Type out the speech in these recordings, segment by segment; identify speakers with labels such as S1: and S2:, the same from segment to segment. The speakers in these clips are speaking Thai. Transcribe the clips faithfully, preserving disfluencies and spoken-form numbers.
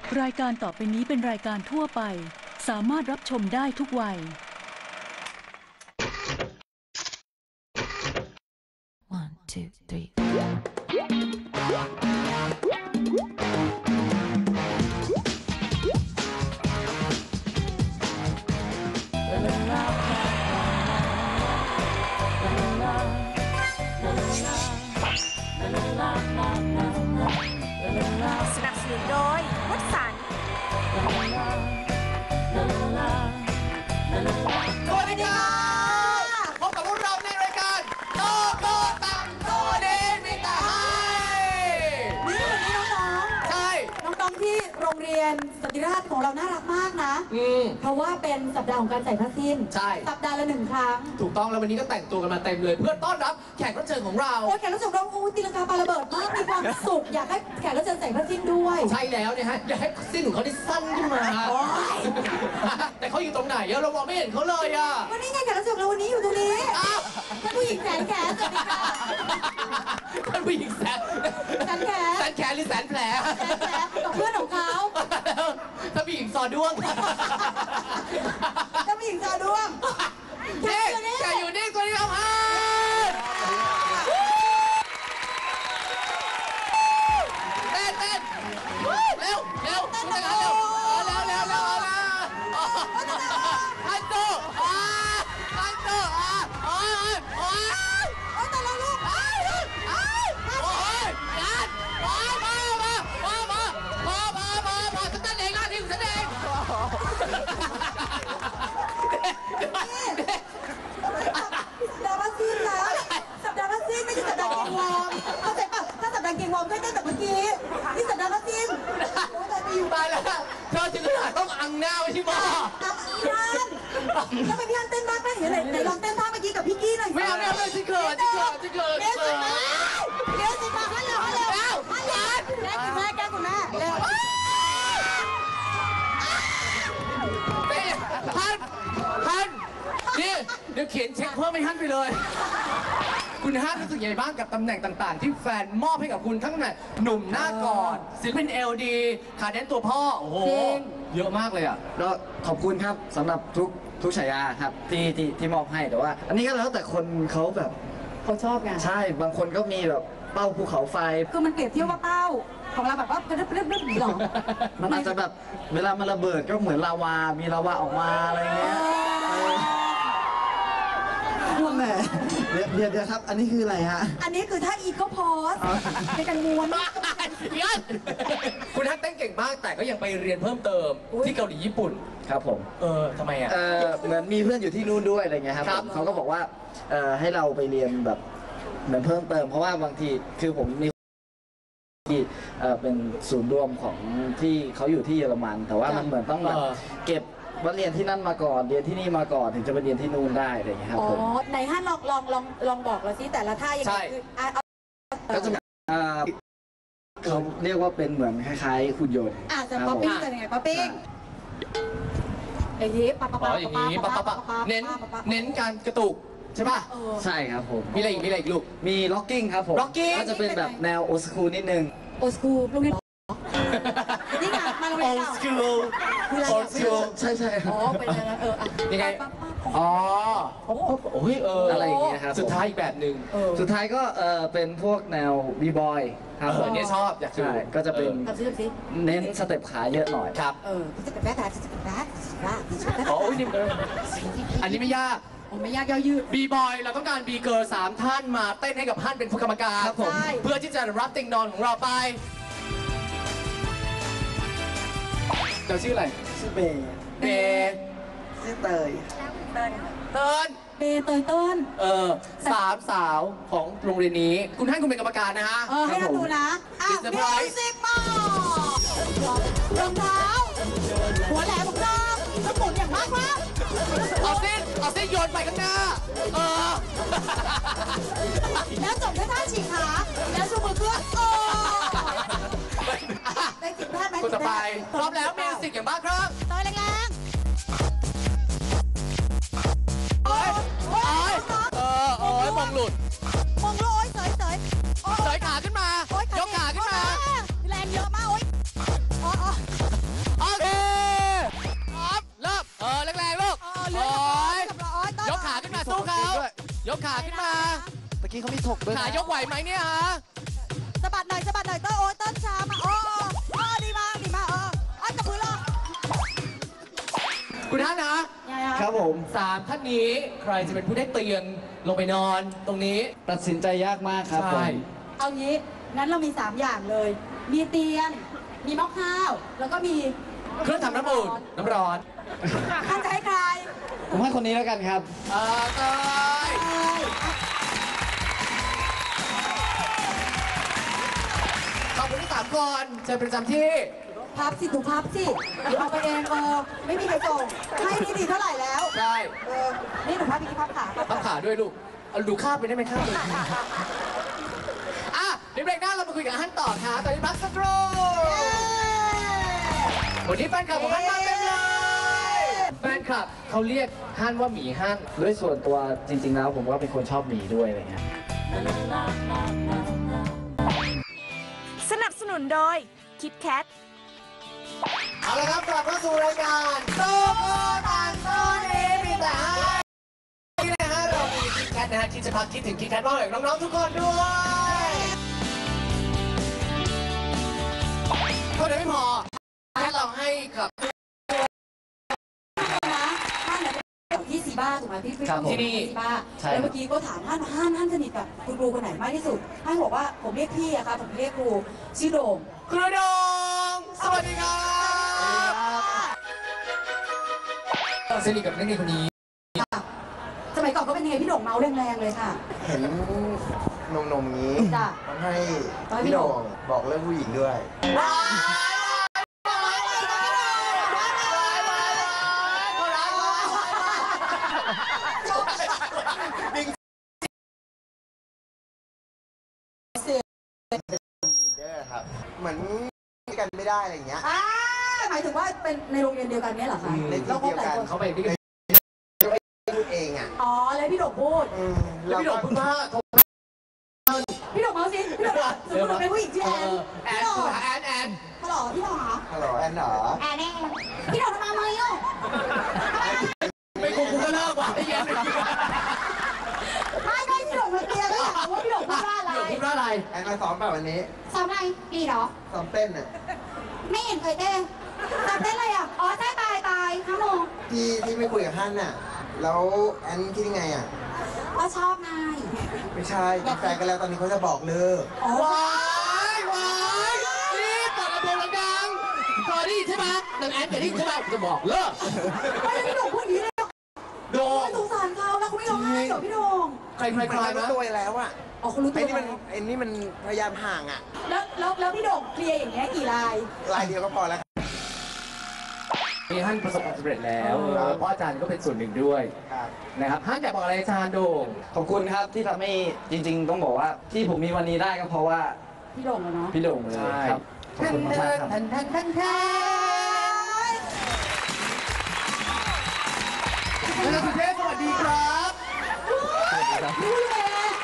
S1: รายการต่อไปนี้เป็นรายการทั่วไปสามารถรับชมได้ทุกวัย
S2: One, two, three.
S3: สนับสนุนโดยวัดสัน
S4: สวัสดีครับพบกับพวกเราในรายการโตโกตังโตเดมิตาไฮ
S5: นี่วันนี้น้องๆ
S4: ใช่
S5: น้องๆที่โรงเรียนสนติราชของเราน่ารักมากนะ
S4: อืม
S5: เพราะว่าเป็นสัปดาห์ของการใส่ผ้าสิ้น
S4: ใช่
S5: สัปดาห์ละหนึ่งครั้ง
S4: ถูกต้องแล้ววันนี้ก็แต่งตัวกันมาเต็มเลย เพื่อต้อนรับแขกรับเชิญของเรา
S5: โอ้ยแขกรับเชิญของเราโอ้ยตีลังกาปาระเบิดมากมีความสุขอยากให้แขกรับเชิญใส่ผ้าสิ้นด้วย
S4: ใช่แล้วเนี่ยฮะอยากให้สิ้นของเขาได้สั้นขึ้นมา
S5: โอ๊ย
S4: แต่เขาอยู่ตรงไหนอะเรามองไม่เห็นเขาเลยอะ
S5: วันนี้ไงแขกรับเชิญของเราวันนี้อยู่ตรงนี้
S4: อ้าว
S5: ท่านผู้หญิงแสนแขนสวัสดีค่ะ
S4: ท่านผู้หญิงแสน
S5: แสนแขน
S4: แสนแขนหรือแสนแผล
S5: แสนแขนกับเพื่อนของเขา
S4: ท่านผู้หญิงซอด้วง
S5: ท่านผู้หญิงจอด้วงแข
S4: นี่
S5: กอยู่นี่
S4: แกอยู่นี่ตัวนี้เอาฮะเต้นเต้นเร็วเร็วเต้นเร็วเร็วเร็วเร็วเร็วฮันโตอ่าฮันโตอ่าโอ้ยโอ้ย
S5: โอ้ยแต่ละลูก
S4: โอ้ยโอ้ยโอ้ยยันโอ้ยมามามามามามามามาฉันเต้นเองนะที่ฉันเอง
S5: สัปดาห์ละสิ้นนะสัปดาห์ละสิ้นไม่ใช่สัปดาห์เกงวอร์มเข้าใจป่ะถ้าสัปดาห์เกงวอร์มก็เต้นแต่เมื่อกี้นี่สัปดาห์ละสิ้นโอ้ยแต่ไปอยู่
S4: ตายแล้วเธอถึงขนาดต้องอังหน้าไว้ที่หม้อ
S5: ตามพี่ฮันทำไมพี่ฮันเต้นมากไหมเห็นไหนไหนลองเต้นท่าเมื่อกี้กับพี่กี้หน่อย
S4: ไม่เอาไม่เอาไม่เอาฉันเขินฉันเขินฉันเขิน
S5: เดี๋ยวสิมาเดี๋ยวสิมาฮันเร็วฮันเร็วฮันเร็วแกล้งคุณแม่แกล้งคุณแม่เร็ว
S4: นี่ฮันฮันนี่เดี๋ยวเขียนเช็คเพิ่มให้ฮันไปเลย คุณฮันรู้สึกยังไงบ้างกับตำแหน่งต่างๆ ที่แฟนมอบให้กับคุณทั้งแต่หนุ่มหน้ากอดศิลปินเอลดีขาแดนตัวพ่อ โอ้โห เยอะมากเลยอ่ะ
S6: ก็ขอบคุณครับสำหรับทุกทุกฉายาครับที่ที่ที่มอบให้แต่ว่า อันนี้ก็แล้วแต่คนเขาแบบ
S5: เขาชอบไง
S6: ใช่บางคนก็มีแบบเป้าภูเขาไฟ
S5: คือมันเปรียบเทียบว่าเป้าของเราแบบว่าเรียบเรียบเรียบหรอ
S6: มันอาจจะแบบเวลามันระเบิดก็เหมือนลาวา มีลาวาออกมาอะไรเงี้ยแหมเดี๋ยวเดี๋ยวเดี๋ยวครับ อันนี้คืออะไรฮะ
S5: อันนี้คือถ้าอีโก้พอสในการม้วน
S4: ยันคุณฮันเต้นเก่งมากแต่ก็ยังไปเรียนเพิ่มเติมที่เกาหลีญี่ปุ่น
S6: ครับผม
S4: เออทำไมอ่ะ
S6: เออเหมือนมีเพื่อนอยู่ที่นู่นด้วยอะไรเงี้ยครับ
S4: ครับ
S6: เขาก็บอกว่าเออให้เราไปเรียนแบบเหมือนเพิ่มเติม เพราะว่าบางทีคือผมมีที่เอ่อเป็นศูนย์รวมของที่เขาอยู่ที่เยอรมัน แต่ว่ามันเหมือนต้องแบบเก็บว่าเรียนที่นั่นมาก่อนเรียนที่นี่มาก่อนถึงจะไปเรียนที่นู่นได้อะไรอย่างเงี้ยครับ
S5: อ๋อ
S6: ผม
S5: ไหนฮันลองลองลองลองบอกเราสิแต่ละท่ายังไงคืออ่ะเอา
S6: ก็จะอ่าเขาเรียกว่าเป็นเหมือนคล้ายๆหุ่นยนต์
S5: อ่ะจะป๊อปปิ้งจะยังไงป๊อปปิ้งอย่างนี้ปั๊บปั๊บ
S4: อ๋
S5: ปั๊
S4: อบ อย่างนี้ปะปะปะเน้นเน้นการกระตุกใช่ป่ะ
S6: ใช่ครับผม
S4: มีอะไรอีกมีอะไรอีกลูก
S6: มีล็อกกิ้งครับผม
S4: locking
S6: ก็จะเป็นแบบแนวโอสคูลนิดนึง
S5: โอสคูลโรงเรียนนี่ไงมาโรงเรียนเก่า
S4: school
S5: คืออะไร
S4: old school
S6: ใช่ใช่ครั
S5: อ๋
S6: บ
S5: อเป็นอะไรเอออ่ะ
S4: ยังไง
S5: ปั๊บปั๊บ
S4: อ๋อโอ้ยเออ
S6: อะ
S4: อะไร
S6: อย่างเงี้ยครับ
S4: สุดท้ายอีกแบบหนึ่ง
S5: เออ
S6: สุดท้ายก็เออเป็นพวกแนวบีบอยครับ
S4: เอ
S6: ผ
S4: อ
S6: ม
S4: เนี่ยชอบอยากดู
S6: ใช่ก็จะเป็น
S5: ทำซิทำซิ
S6: เน้นสเต็ปขาเยอะหน่อย
S4: ครับ
S5: เออจะเป็นแบ๊ดจะเป็นแบ๊ดจะเป็นแบ๊ด
S4: อ๋ออุ้ยนี่อันนี้ไม่ยาก
S5: โอ้ไม่ยากย่อยืด
S4: บีบอยเราต้องการบีเกิร์ลสามท่านมาเต้นให้กับท่านเป็นผู้กรรมการ
S6: ครับผม
S5: ใช่
S4: เพื่อที่จะรับติงนอนของเราไปเราชื่ออะไร
S6: ชื่อเบย์
S4: เบย์
S6: ชื่อเตย
S4: เติ้ล
S5: เบเตยต้น
S4: เออสามสาวของโรงเรียนนี้ คุณท่านคุณเป็นกรรมการนะฮะ
S5: เออให้เราดูนะอ่ะ
S4: It's the
S5: มิ
S4: prize
S5: วสิกมาารองเท้าหัวแหลมของเราสมุนอย่างมากมาก
S4: เอาเส้นเอาเส้นโยนไปข้างหน้า เออ
S5: แล้วจบด้วยท่าฉีกขาแล้วชูมือขึ้นโอ้ได้จิตแพทย์ไหม
S4: คนต่อไปพร้อมแล้วมิวสิกอย่างบ้าครับ
S5: เตยแรง
S4: โอ้ยโอ้ยเออโอ้ยมองหลุด
S5: ๆมองโลยเสยเสยโอ้
S4: เสยขาขึ้นมา
S5: โอ๊ย
S4: ยกขาขึ้นมา
S5: แรงเยอะมากโอ้ยอ๋อ
S4: ขาขึ้นมา
S6: เมื่อกี้เขามีถกด้วย
S4: ขายกไหวไหมเนี่ยฮะ
S5: สะบัดหน่อยสะบัดหน่อยเต้นโอ้ยเต้นช้ามาโอ้โอ้ดีมากดีมากเอออ้อนกับพื้นเลย
S4: คุณท่านนะ
S5: ยังไง
S6: ค
S5: ค
S6: รั
S5: รั
S6: บบ ผม
S4: สามท่านนี้ใครจะเป็นผู้ได้เตียงลงไปนอนตรงนี้
S6: ตัดสินใจยากมากครับผ
S4: ใช่
S6: ม
S5: เอางี้งั้นเรามีสามอย่างเลย มีเตียงมีหม้อข้าวแล้วก็มี
S4: เครื่องทำน้ำอุ่นน้ำร้อน
S5: ท่านจะให้ใคร
S6: ผมให้คนนี้แล้วกันครับ
S4: เออเตยขอบคุณทั้งสามคนเชิญประจำที่
S5: พับสิถูกพับสิเอาไปเองเออไม่มีใครส่งให้นี่ดีเท่าไหร่แล้ว
S4: ใช่
S5: เออนี่หนูพับพี่พับขา
S4: ต้องขาด้วยลูกเอาดูข้ามไปได้ไหมข้ามไปอ่ะเดี๋ยวเบรกหน้าเรามาคุยกับฮั่นต่อค่ะตอนนี้พักสักครู่วันนี้แฟนคลับของฮั่นมาเต็มเลยแฟนคลับเขาเรียกฮั่นว่าหมีฮั่น
S6: ด้วยส่วนตัวจริง ๆ แล้วผมก็เป็นคนชอบหมีด้วยอะไรเงี้ย
S3: สนับสนุนโดยคิดแคท
S4: เอาละครับกลับเข้าสู่รายการโซโคตันโซนีมีแต่ให้นี่นะฮะเรามีคิดแคทนะฮะที่จะพักคิดถึงคิดแคทมากเลยน้องๆทุกคนด้วยเท่านั้นไม่พอแค่เราให้กับ
S5: นะท่านเนี่ยเป็นที่ซีบ้าถูกไหมพี่พี่
S6: ครับผม
S5: ที่นี่ซีบ้า
S6: ใช่
S5: แล้วเมื่อกี้ก็ถามท่านท่านท่านสนิทกับคุณครูคนไหนมากที่สุดท่านบอกว่าผมเรียกพี่อะครับผมเรียกครูชื่อโด่ง
S4: ครูดงสวัสดีครับสนิทกับนักเรียนคนนี้
S5: สมัยก่อนก็เป็นยังไงพี่โด่งเมาแรงๆเลยค่ะ
S7: เห็นนมๆนี้
S5: จ้ะ
S7: มันให้
S5: ตอนพี่
S7: พี่
S5: โด่
S7: โด่
S5: ง
S7: งบอกเรื่องผู้หญิงด้วย ลีดเดอร์ครับ เหมือนกันไม่ได้อะไรอย่างเงี้ย
S5: อ่าหมายถึงว่าเป็นในโรงเรียนเดียวกันเนี้ยเหรอคะ
S7: ใน
S5: แล้ว
S7: ที่
S5: คบ
S7: เดียว
S5: หลาย
S7: กัน
S5: คน
S4: เขาไปด้วยกัน
S7: พูดเองอ่ะ
S5: อ๋อแล้วพี่โด่งพูด
S7: อืม
S4: แล้วพี่โด่งพูดว่า
S5: พี่โด่งเมาสิพี่โด่งบอกสมมติเป็นผู้หญิงชื่อแอน
S4: แอ
S5: พี่
S4: น
S5: โด่ง
S4: แอนแอน
S5: ฮัลโหลพี่โด่งเหรอ
S7: ฮัลโหลแอนเหรอ
S5: แอนแอนพี่โด่งทำไมมาอยู่
S4: ไม่คงกูก็เลิกว่ะไอ้เหี้ย
S5: ไม่ไม่พี่โด่งมาเคลียร์ก็อยากรู้ว่าพี่โด่งพูดว่าอะไร
S4: พี่โด่งพูดว่าอะไร
S7: แอนมาซ้อมเปล่าวันนี้
S5: ซ้อมอะไรดีเหรอ
S7: ซ้อมเต้นอ่ะ
S5: ไม่เห็นเคยเต้นซ้อมเต้นอะไรอ่ะ อ๋อใช่ตายตายห้าโมง
S7: ที่ที่ไม่คุยกับท่านน่ะ แล้วแอนคิดยังไงอ่ะ
S5: ก็ชอบนาย
S7: ไม่ใช่เป็นแฟนกันแล้วตอนนี้เขาจะบอกเลิก
S5: อ๋อ
S4: วายวายนี่เปิดลำโพงดังๆพอได้ยินใช่ไหมดังแอนจะได้ยินใช่ไหมจะบอกเลิก
S5: ไม่แล้วพี่โด่งพูดอย่างนี้เลยเหรอ
S4: โดง
S5: สงสารเขาแล้วเขาไม่ร้องไห้เหรอพี่โด่ง
S4: ใครใคร
S7: มัน
S4: ใคร
S7: รู้
S4: นะ
S7: ตัวแล้วอ่ะ
S5: อ๋อเขารู้ตั
S7: ไอ้
S5: ว
S7: นี่มัน
S5: แล้ว
S7: ไอ้นี่มันพยายามห่างอ่ะ
S5: แล้วแล้วแล้วพี่โด่งเคลียร์อย่างเงี้ยกี่ลาย
S7: ลายเดียวก็พอแล้ว
S4: มีฮั่นประสบความสำเร็จแล้ว
S7: ครับ
S4: เพราะอาจารย์ก็เป็นส่วนหนึ่งด้วย
S7: ครับ
S4: นะครับฮั่นอยากบอกอะไรอาจารย์โด่ง
S6: ขอบคุณครับที่ทำให้จริง ๆ ต้องบอกว่าที่ผมมีวันนี้ได้ก็เพราะว่า
S5: พี่โด่งเลยเนาะ
S6: พี่โด่งเลยครับขอบคุณมากๆครับ
S4: แทนแทนแทนแทนอาจารย์สุเทพสวัสดีครับ
S5: รู้เลย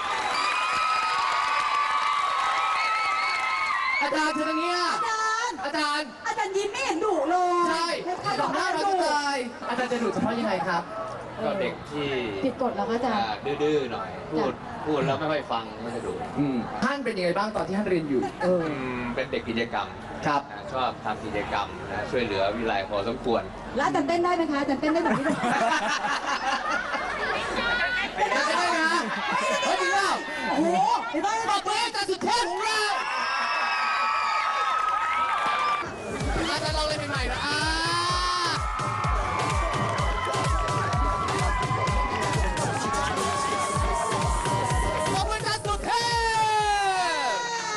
S4: อาจารย์เชิญทางเนี้ย
S5: อาจารย์
S4: อาจารย์
S5: อาจารย์ยิ้มไม่เห็นดุเลย
S4: ใช่
S5: ใคร
S4: บบ อ
S5: อก ก
S4: หน้า
S5: ว่า
S4: เรา
S5: ดุ
S4: จะตายอาจารย์จะดูเฉพาะยังไงครับ
S8: ก็เด็กที่
S5: ผิดกฎแล้วก็อาจารย์
S8: อ่าดื้อๆหน่อย พูดพูดแล้วไม่ค่อยฟังไม่ค่อยดู
S4: อืมท่านเป็นยังไงบ้างตอนที่ท่านเรียนอยู่
S8: อืมเป็นเด็กกิจกรรม
S4: ครับ
S8: นะชอบทำกิจกรรมนะช่วยเหลือวิไลพอสมควร
S5: แล้วอาจารย์เต้นได้ไหมคะอาจารย์เต้นได้แบบพี่โด่ง
S4: ได้ได้นะเฮ้ยจริงเปล่า
S5: โอ้โหเห็นไหม
S4: ตบมือให้อาจารย์สุเทพของเราอาจารย์ลองเล่นใหม่ๆนะอ่าขอบคุณอาจารย์สุเทพ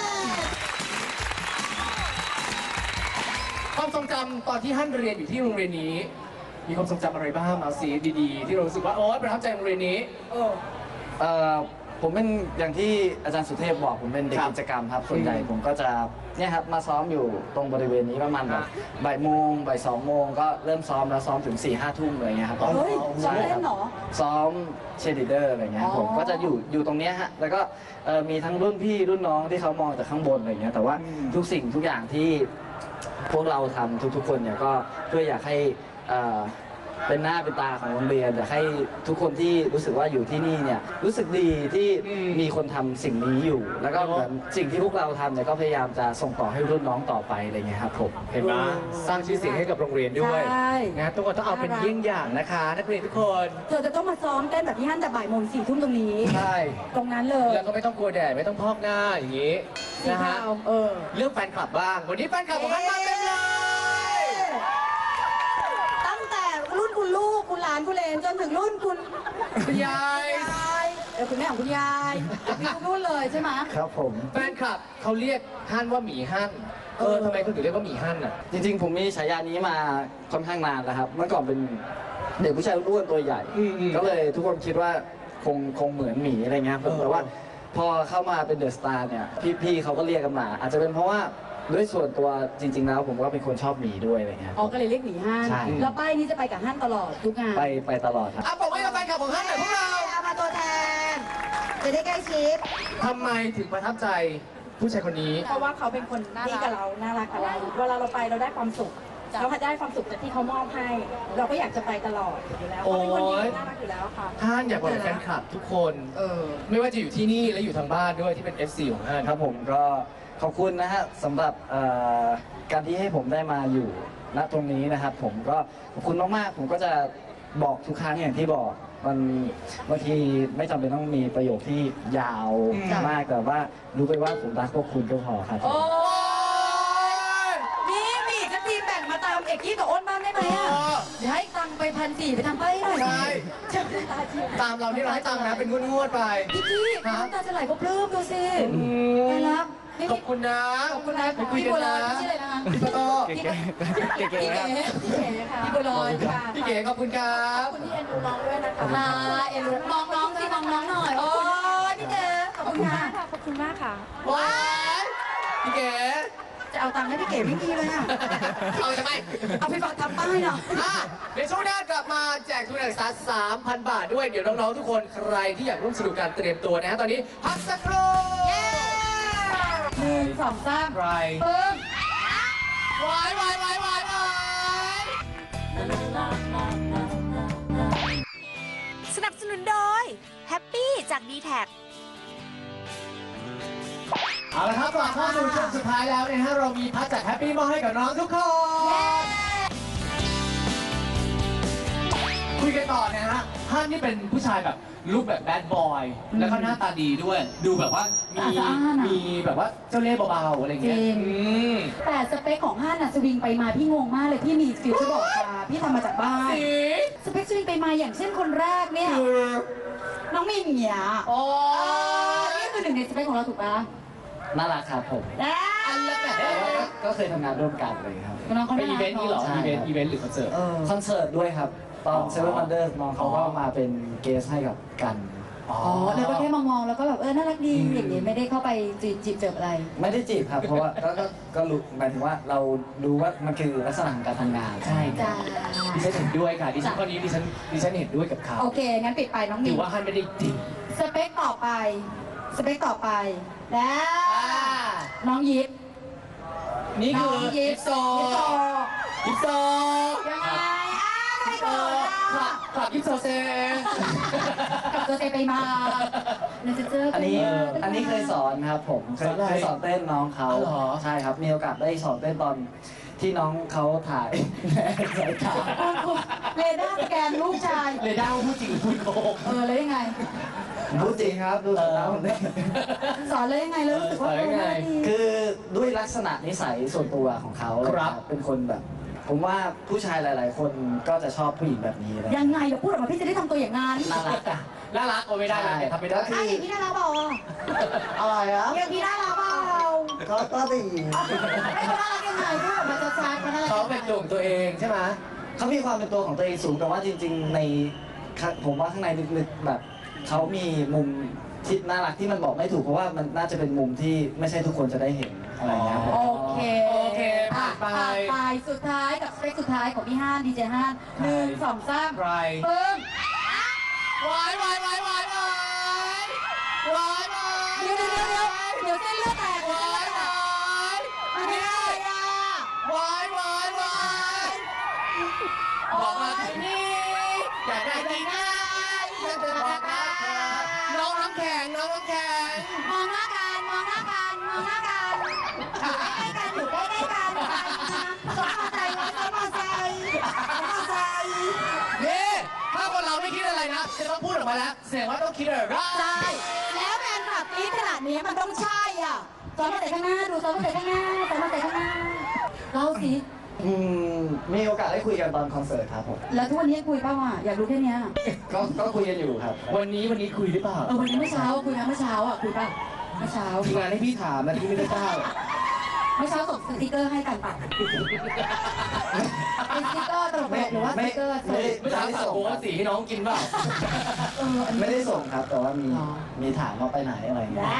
S4: ความทรงจำตอนที่ท่านเรียนอยู่ที่โรงเรียนนี้ มีความทรงจำอะไรบ้างเอาสีดีๆ ที่เรารู้สึกว่าโอ๊ยประทับใจโรงเรียนนี้
S5: เออ
S6: เอ่อผมเป็นอย่างที่อาจารย์สุเทพบอกผมเป็นเด็ก
S4: ครับ
S6: กิจกรรมครับส่วนใหญ่
S4: อืม
S6: ผมก็จะเนี่ยครับมาซ้อมอยู่ตรงบริเวณนี้ประมาณแบบ
S4: อ่ะ
S6: บ่ายโมงบ่ายสองโมงก็เริ่มซ้อมแล้วซ้อมถึง4ี่ห้าทุ่มอะไรเงี้ยครับ
S5: เฮ้ยซ้อมเล่นเหรอ
S6: ซ้อมเชยร์ลีดเดอร์อะไรเงี้ย
S5: อ๋อ
S6: ผมก็จะอยู่อยู่ตรงเนี้ยฮะแล้วก็เอ่อมีทั้งรุ่นพี่รุ่นน้องที่เขามองจากข้างบนอะไรเงี้ยแต่ว่าทุกสิ่งทุกอย่างที่พวกเราทำทุกๆคนเนี่ยก็เพื่ออยากให้เอ่อเป็นหน้าเป็นตาของโรงเรียนอยากให้ทุกคนที่รู้สึกว่าอยู่ที่นี่เนี่ยรู้สึกดีที่มีคนทำสิ่งนี้อยู่ แล้วก็เหมือนสิ่งที่พวกเราทำเนี่ยก็พยายามจะส่งต่อให้รุ่นน้องต่อไปอะไรเงี้ยครับผม
S4: เห็นไหมสร้างชื่อเสียงให้กับโรงเรียนด้วย
S5: ใช่
S4: นะทุกคนต้องเอาเป็นเยี่ยงอย่างนะคะนักเรียนทุกคน
S5: เธอจะต้องมาซ้อมเต้นแบบพี่ฮั่นแต่บ่ายโมงสี่ทุ่มตรงนี้
S4: ใช่
S5: ตรงนั้นเลย
S4: แล้วก็ไม่ต้องกลัวแดดไม่ต้องพอกหน้าอย่างนี้
S5: สี
S4: นะฮะ
S5: ขาวเออ
S4: เรื่องแฟนคลับบ้างวันนี้แฟนคลับของท่านมาเต็มเลย
S5: ตั้งแต่รุ่นคุณลูกคุณหลานคุณเลนจนถึงรุ่นคุณ
S4: คุณยาย
S5: ยายเออคุณแม่ของคุณยายมีทุกรุ่นเลยใช่ไหม
S6: ครับผม
S4: แฟนคลับเขาเรียกท่านว่าหมีฮั่นเออทำไมคุณถึงเรียกว่าหมีฮั่นอ่ะ
S6: จริงๆ ผมมีฉายานี้มาค่อนข้างนานแล้วครับ เมื่อก่อนเป็นเด็กผู้ชายอ้วนตัวใหญ่
S4: อืมๆ
S6: ก็เลยทุกคนคิดว่าคงคงเหมือนหมีอะไรเงี้ยผม
S4: เออ
S6: แต่ว่าพอเข้ามาเป็นเดอะสตาร์เนี่ย พี่ๆเขาก็เรียกกันมา อาจจะเป็นเพราะว่าด้วยส่วนตัวจริง ๆ แล้วผมก็เป็นคนชอบหมีด้วยอะไรเงี้ย
S5: อ๋อก็เลยเรียกหนีฮั่น
S6: ใช่
S5: แล้วป้ายนี้จะไปกับฮั่นตลอดทุกงาน
S6: ไปไปตลอดครับ
S4: อ่ะบอกไว้กับแฟนคลับของฮั่นหน่อยพวกเรา
S5: เอามาตัวแทน จะได้ใกล้ชิด
S4: ทำไมถึงประทับใจผู้ชายคนนี้
S5: เพราะว่าเขาเป็นคนดีกับเรา น่ารักกับเรา เวลาเราไปเราได้ความสุข เราได้ความสุขจากที่เขามอบให้ เราก็อยากจะไปตลอดอยู่แล้วเขาเป็นคนดีน่ารักอยู่แล้วค่ะ
S4: ท่านอยากบอกกับแฟนคลับทุกคน
S5: เออ
S4: ไม่ว่าจะอยู่ที่นี่และอยู่ทางบ้านด้วยที่เป็น เอฟ ซี ของท่าน
S6: ครับผมก็ขอบคุณนะฮะสำหรับเอ่อการที่ให้ผมได้มาอยู่ณตรงนี้นะครับ ผมก็ขอบคุณมากๆ ผมก็จะบอกทุกครั้งอย่างที่บอกมันบางทีไม่จำเป็นต้องมีประโยคที่ยาว
S4: อืม
S6: มากแต่ว่ารู้ไปว่าผมรักพวกคุณก็พอครับ
S5: โอ้ยนี่มีอีกสักทีแบ่งมาตามเอกกี้กับอ้นบ้างได้ไหมอ่ะเดี๋ยวให้ตังค์ไปพันสี่ไปทำป้ายหน่อย
S4: ใช่
S5: จะตาจี
S4: ตามเราที่เราให้ตามนะเป็นงวดๆไป
S5: พี่กี้น้ำตาจะไหลก็ปลื้มดูสิไปรับนี่
S4: ขอบคุณนะ
S5: ขอบคุณนะ
S4: ไปคุย
S5: พี่
S4: กั
S5: บั
S4: น
S5: วล
S4: นะ
S5: อยชื่ออะไรนะคะ
S4: พี่ปะโต
S5: พี่เก๋พี่เก๋พี่เก๋ค่ะพี่บัวลอยค่ะ
S4: พี่เก๋ขอบคุณครับ
S5: คุณที่เอ็นดูน้องด้วยนะคะค่ะเอ็นดูมองน้องสิมองน้องหน่อยโอ้ยพี่เก๋ขอบคุณค่ะขอบคุณมากค่ะ
S4: ว้ายพี่เก๋
S5: จะเอาตังค์ให้พี่เก๋ไม่มีเลยอ่ะ
S4: เอาทำไม
S5: เอาไปฝากทำป้ายหน่อย
S4: อ่ะในช่วงหน้ากลับมาแจกทุนการศึกษา สามพัน บาทด้วย เดี๋ยวน้องๆทุกคนใครที่อยากร่วมสนุกการเตรียมตัวนะฮะตอนนี้พักสักครู่
S5: หนึ่งสองสาม
S4: ใคร
S5: ปึ้ง
S4: วายวายวายวายวาย
S3: สนับสนุนโดยแฮปปี้จาก ดี แท็ก
S4: เอาละครับกลับเข้าสู่ช่วงสุดท้ายแล้วนะฮะเรามีพักจากแฮปปี้มาให้กับน้องทุกคน คุยกันต่อนะฮะท่านนี่เป็นผู้ชายแบบลุคแบบแบดบอย แล้วก็หน้าตาดีด้วย ดูแบบว่ามี
S5: ตาสะอ้านอะ
S4: มีแบบว่าเจ้าเล่ห์เบาๆอะไรเงี้ย
S5: จริง
S4: อืม
S5: แต่สเปคของฮั่นอะสวิงไปมาพี่งงมากเลยพี่มีฟิวเจอร์บอกมาพี่ทำมาจากบ้าน
S4: สี
S5: สเปคสวิงไปมาอย่างเช่นคนแรกเนี่ย
S4: คือ
S5: น้องมินเนี่ย
S4: โอ้
S5: นี่คือหนึ่งในสเปคของเราถูกปะ
S6: น่ารักครับผม
S4: อันละแบบ
S6: แต่ว่าก็ก็เคยทำงานร่วมกันเลยครับ
S5: น้องเขา
S4: เป็นอีเวนต์นี้เหรอ
S6: ใช่
S4: อีเวนต์อีเวนต์หรือคอนเสิร์ต
S5: เออ
S6: คอนเสิร์ตด้วยครับ ตอน
S4: อ๋อ
S6: เซเว่นวันเดอร์น้องเขาก็มาเป็นเกสให้กับกัน
S4: อ๋อ
S5: อ๋อแล้วก็แค่มองๆแล้วก็แบบเออน่ารักดีอย่างนี้ไม่ได้เข้าไปจีบจีบเจออะไร
S6: ไม่ได้จีบครับ เพราะว่าก็ก็ก็รู้หมายถึงว่าเรารู้ว่ามันคือลักษณะของการทำงาน
S4: ใช่
S5: จ้า
S4: ดิฉันเห็นด้วยค่ะดิฉันข้อนี้ดิฉันดิฉันเห็นด้วยกับเขา
S5: โอเค งั้นปิดไปน้องมิ
S4: ถื
S5: น
S4: อว่าฮันไม่ได้จริง
S5: สเปคต่อไป สเปคต่อไป แล้วน้องยิป
S4: นี่
S5: น้
S4: คือ
S5: องยิ
S4: ยิ
S5: ป
S4: ปโซ
S5: ยิปโซ
S4: ยิปโซ
S5: ยังไงอ้าวไม่โกรธ
S4: คลั
S5: อ่ะ
S4: บคลับยิปโซเซ
S5: กับตัวเซไปมาเนเจอร์
S6: อันนี้อันนี้เคยสอนครับผมเคย
S4: สอนอะไร
S6: เคยสอนเต้นน้องเขา
S4: อ๋อเหรอ
S6: ใช่ครับ มีโอกาสได้สอนเต้นตอนที่น้องเขาถ่ายสายตา
S5: เรดาร์สแกนลูกชาย
S4: เรด้าพูดจริงหรือพูดโกหก
S5: เออแล้วยังไง
S6: พูดจริงครับดูสายตาผมเต้น
S5: สอนเลยยังไงแล้วรู้สึกว่า
S4: สอน
S5: เอ
S4: ยั
S5: อง
S4: ไง
S5: น่าดี
S6: คือด้วยลักษณะนิสัยส่วนตัวของเขา
S4: ครับ
S6: เป็นคนแบบ ผมว่าผู้ชายหลาย ๆ คนก็จะชอบผู้หญิงแบบนี้นะ
S5: ยังไงเดี๋ยวพูดออกมาพี่จะได้ทำตัวอย่างนั้น
S6: น่ารักอะ
S4: น่ารักโอไม่ได้นะแต่ทำไม่ได้
S5: ไอ้อย่างพี่น่ารักเปล่า
S6: อะไรอะ
S5: อย่างพี่น่ารักเปล่า
S6: ก็ก็ดี
S5: ไอ้คนน่ารักยังไงพูดออกมาชัดๆมันน่ารัก
S4: เขาเป็นตัวของตัวเองใช่ไหม
S6: เขามีความเป็นตัวของตัวเองสูงแต่ว่าจริง ๆ ในข้างผมว่าข้างในลึกๆแบบเขามีมุมที่น่ารักที่มันบอกไม่ถูกเพราะว่ามันน่าจะเป็นมุมที่ไม่ใช่ทุกคนจะได้เห็นอะไรอย่างเงี้ยครับ
S5: โอเค
S4: โอเคผ่านไป
S5: ผ่านไปสุดท้ายกับสเปคสุดท้ายของพี่ห้านดีเจห้านหนึ่งสองสาม
S4: ไร
S5: ปึ้ง
S4: วายวายวายวายวายวายวาย
S5: เดี๋ยวเดี๋ยวเดี๋ยวเดี๋ยวเส้นเลือดแตก
S4: วายวาย
S5: มันไม่ได้อะ
S4: วายวายวายบอกมาที่นี่อยากได้ดีนะอยากจะบอกรักเธอน้องน้ำแข็งน้องน้ำแข็ง
S5: มองหน้ากันมองหน้ากันมองหน้ากันอยู่ใกล้ๆกันอยู่ใกล้ๆกันสมอใจสมอใจสมอใจ
S4: นี่ถ้าคนเราไม่คิดอะไรนะจะต้องพูดออกมาแล้วแสดงว่าต้องคิดอะไร
S5: ใช่แล้วแฟนคลับนี้ขนาดนี้มันต้องใช่อ่ะซ้อมมาแต่ข้างหน้าดูซ้อมมาแต่ข้างหน้าซ้อมมาแต่ข้างหน้าเล่าสิ
S6: อืมมีโอกาสได้คุยกันตอนคอนเสิร์ตครับผม
S5: แล้วทุกวันนี้คุยเปล่าอ่ะอยากรู้แค่เนี้ย
S6: ก็ก็คุยกันอยู่ครับ
S4: วันนี้วันนี้คุยหรือเปล่า
S5: เออวันนี้เมื่อเช้าคุยนะเมื่อเช้าอ่ะคุยป่ะเมื่อเช้า
S4: ทีมงานให้พี่ถามนะพี่ไม่ได้กล้า
S5: เมื่อเช้าส่งสติ๊กเกอร์ให้กันป่ะเป็นสติ๊กเกอร์ตลกหรือว่าสติ๊กเกอร์สด
S4: ไม่ถามสั่งโค้กสีให้น้องกินเปล่า
S5: เอออันนี้
S6: ไม่ได้ส่งครับ แต่ว่ามี
S5: อ๋อ
S6: มีถามว่าไปไหนอะไรอย่างเงี้ย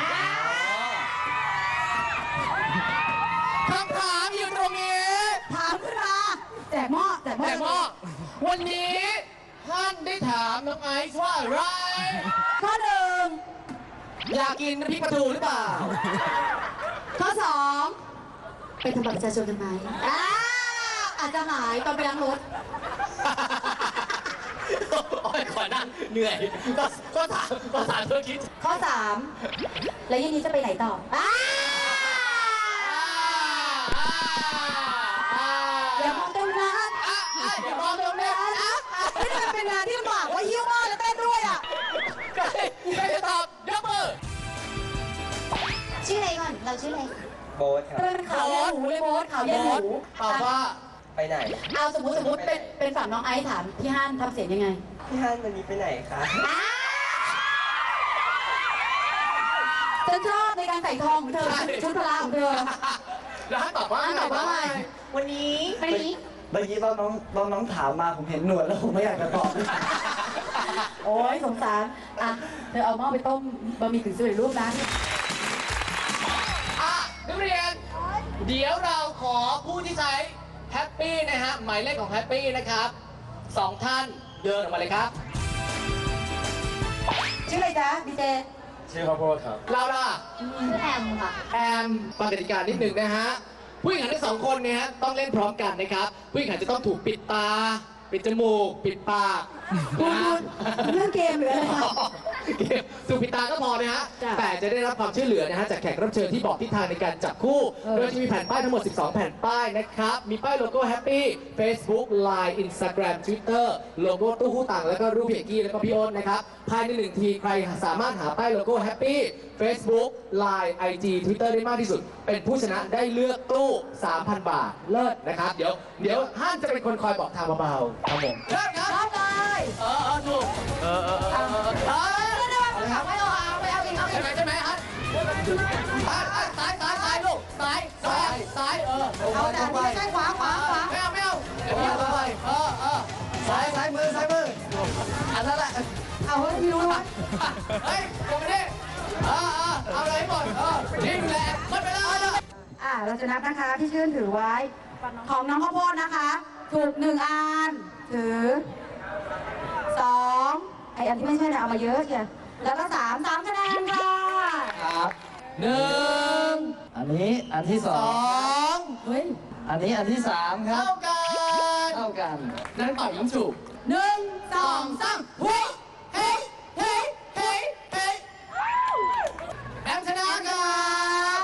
S4: คำถามอยู่ตรงนี้
S5: ถามขึ้นมาแจกหม้อแจกหม้อ
S4: แต่ว่าวันนี้ท่านได้ถามน้องไอซ์ว่าอะไร
S5: ข้อหนึ่ง
S4: อยากกินน้ำพริกปลาทูหรือเปล่า
S5: ข้อสองไปทำบัตรประชาชนกันไหมอ้าวอาจจะหายตอนไปล้างรถ
S4: โอ้ยขอนั่งเหนื่อย ก็ก็ถามก็ถามเธอคิด
S5: ข้อสามแล้วยี่นี้จะไปไหนต่ออ้าวอย่ามองตรงนั้น
S4: อย่ามองตรงนี้
S5: ไม่ได้เป็นงานที่ลำบากว่าหิ้วหม้อแล้วเต้นด้วยอ่ะ
S4: ใครใครจะตอบยกมือ
S5: ชื่ออะไรก่อนเราชื่ออะไร
S7: โบ๊ทครับ
S5: ทำไมเป็นขาวเย็นหูเลยโบ๊ทขาวเย็นหู
S4: ตอบว่า
S7: ไปไหน
S5: เอาสมมติสมมติเป็นเป็นฝั่งน้องไอซ์ถามพี่ฮั่นทำเสียงยังไง
S7: พี่ฮันวันนี้ไปไหนคะ
S5: ฉันชอบในการใส่ทองของเธอชุดพละของเธอ
S4: แล้วให้ตอบว่า
S5: ฮั่นตอบว่าไง
S7: วันนี้
S5: ไปนี้
S6: เมื่อกี้ตอนน้องตอนน้องถามมาผมเห็นหนวดแล้วผมไม่อยากจะตอบ
S5: โอ้ยสงสารอ่ะเธอเอาหม้อไปต้มบะหมี่กึ่งสำเร็จรูปนะ
S4: อ่ะนักเรียน เดี๋ยวเราขอผู้ที่ใช้แฮปปี้นะฮะหมายเลขของแฮปปี้นะครับสองท่านเดินออกมาเลยครับ
S5: ชื่ออะไรจ๊ะดีเจ
S7: ชื่อข้าวโพดครับ
S4: เราล่ะ
S5: ชื่อแอมค่ะ
S4: แอมฟังกติกานิดหนึ่งนะฮะ ผู้หญิงทั้งสองคนเนี่ยฮะต้องเล่นพร้อมกันนะครับ ผู้หญิงจะต้องถูกปิดตา ปิดจมูก ปิดปาก
S5: คุณ
S4: นะฮะ
S5: คุณเล่นเกมหรืออะไรคะ
S4: เกมถูกปิดตาก็พอนะฮะ
S5: จ้ะ
S4: แต่จะได้รับความช่วยเหลือนะฮะจากแขกรับเชิญที่บอกทิศทางในการจับคู่
S5: เออ
S4: โดยจะมีแผ่นป้ายทั้งหมด สิบสอง แผ่นป้ายนะครับ มีป้ายโลโก้ Happy Facebook Line Instagram Twitter โลโก้ตู้หู้ตังแล้วก็รูปพี่เอกกี้แล้วก็พี่อ้นนะครับ ภายในหนึ่งทีใครสามารถหาป้ายโลโก้ Happy Facebook Line ไอ จี Twitter ได้มากที่สุด เป็นผู้ชนะได้เลือกตู้ สามพัน บาท เลิศนะครับ เดี๋ยวเดี๋ยวห้านจะเป็นคนคอยบอกทางเบาๆครับผมเลิศครับ
S5: รอบเลย
S4: เออเออถูกเออเออเออเออเออ
S5: ไม่ได้ไม่เอาไม่เอาไม่เอาอีกเอาอี
S4: ใช่
S5: ก
S4: ไหมใช่ไหมฮัทฮัทฮัทซ้ายซ้ายซ้ายลูกซ้ายซ้ายซ้ายเออ
S5: เอาแต่ไม่ใช่ขวาขวาขวา
S4: ไม่เอาไม่เอาเดี๋ยวพี่เอาไปเออเออซ้ายซ้ายมือซ้ายมืออันนั้นแหละ
S5: เอาให้พี่รู้ว่า
S4: เฮ้ยลงไปดิเออเออเอาอะไรหมดเออนิ่งแหละหมดไปแล้ว
S5: อ่าเราจะนับนะคะที่ชื่นถือไว้ ของน้องข้าวโพดนะคะ ถูกหนึ่งอันถือสองไออันที่ไม่ใช่เนี่ยเอามาเยอะเชียวแล้วก็สามสามคะแนนค่ะ
S6: ครับ
S4: หนึ่ง
S6: อันนี้อันที่ส
S4: ส
S6: อ
S4: อง ง
S5: เฮ้ย
S6: อันนี้อันที่สามครั
S4: เท่า
S6: บ
S4: กัน
S6: เท่ากัน
S4: นั่นต่อยยิงฉุบ
S5: หนึ่งส
S4: ส
S5: อ
S4: อง งสามเฮ้ยเฮ้ยเฮ้ยเฮ้ยเฮ้ยแอมชนะครับ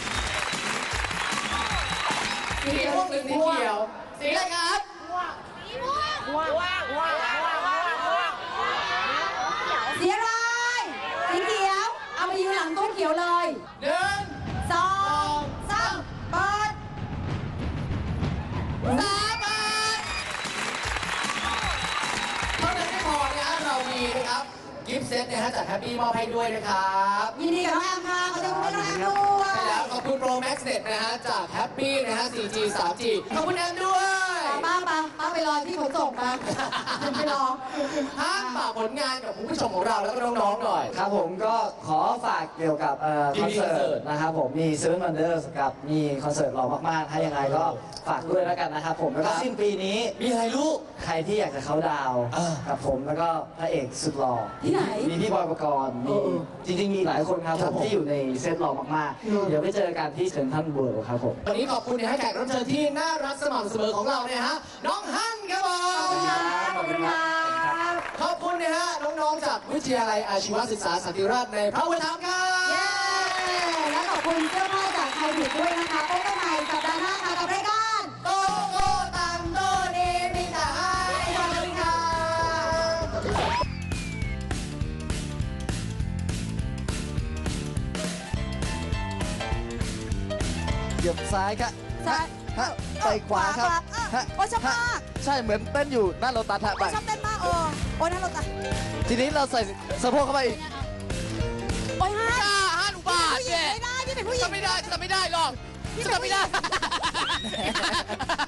S4: สีม่วงหรือสีเขียว สีอะไรครับ
S5: สีอะไรสีเขียว เอามายืนหลังตู้เขียวเลย
S4: หนึ่ง
S5: สองสามเปิด
S4: สามบาทเท่านั้นไม่พอนะเรามีนะครับ กิฟต์เซตนะฮะจากแฮปปี้มอบให้ด้วยนะครับ
S5: ยินดีกับน้องแอมค่ะขอบคุณน้องแอมด้วย
S4: ใช่แล้วขอบคุณ Pro Max Net นะฮะจากแฮปปี้นะฮะ โฟร์จี ทรีจี ขอบคุณแอมด้วย
S5: ป้าป้าป้าไปรอที่ขนส่งมาไปรอ
S4: ห้ามฝากผลงานกับคุณผู้ชมของเราแล้วก็น้องๆหน่อย
S6: ครับผมก็ขอฝากเกี่ยวกับเอ่อ
S4: ที่
S6: คอน
S4: มี
S6: เสิ
S4: คอนเสิร์
S6: ร์
S4: ต
S6: ตนะครับผมมี Seven Wonders กับมีคอนเสิร์ตหล่อมากๆถ้ายังไงก็ฝากด้วยแล้วกันนะครับผมแล้วก็สิ้นปีนี้
S4: มีอะไรลูก
S6: ใครที่อยากจะเข้าดาวน์
S4: อ่า
S6: กับผมแล้วก็พระเอกสุดหล่อ
S5: ที่ไหน
S6: มีพี่บอยปกรณ์มีจริงๆมีหลายคนครับ
S4: ค
S6: ผ
S4: รับ
S6: ม
S4: ผม
S6: ที่อยู่ในเซตหล่อมากๆ เดี๋ยวไปเจอกันที่เซ็นทรัลเวิลด์ครับผม
S4: วันนี้ขอบคุณนะให้แขกรับเชิญที่น่ารักสม่ำเสมอของเราเนี่ยฮะ น้องฮั่นครับผม
S5: ขอบคุณครับ
S4: องๆจากวิทยาลัยอาชีวศึกษาสันติราษฎร์ในพระอุปถัมภ์ครับ
S5: เย้ และขอบคุณเสื้อผ้าจากไทยผิดด้วยนะคะพบกันใหม่สัปดาห์หน้าค่ะกับรายการ
S4: โกโก้ตังโตเนมิตาไอสวัสดีครับ
S6: เหยียบซ้ายครับ
S5: ซ้าย
S6: ฮะไปขวาครับ
S5: ขวา
S6: ฮะ
S5: โอ้ชอบมาก
S6: ใช่เหมือนเต้นอยู่หน้าโลตัสฮะไป
S5: ชอบเต้นมากโอ้โอ้ยน่ารักจัง
S6: ทีนี้เราใส่สะโพกเข้าไปอีก
S5: โอ้ยฮะ
S4: ห้าห้าอุบาท
S5: ผู้หญิง
S4: เนี่ย
S5: ไม่ได้พี่เป็นผู้หญิง
S4: ทำไม่ได้ทำไม่ได้หรอกทำไม่ได้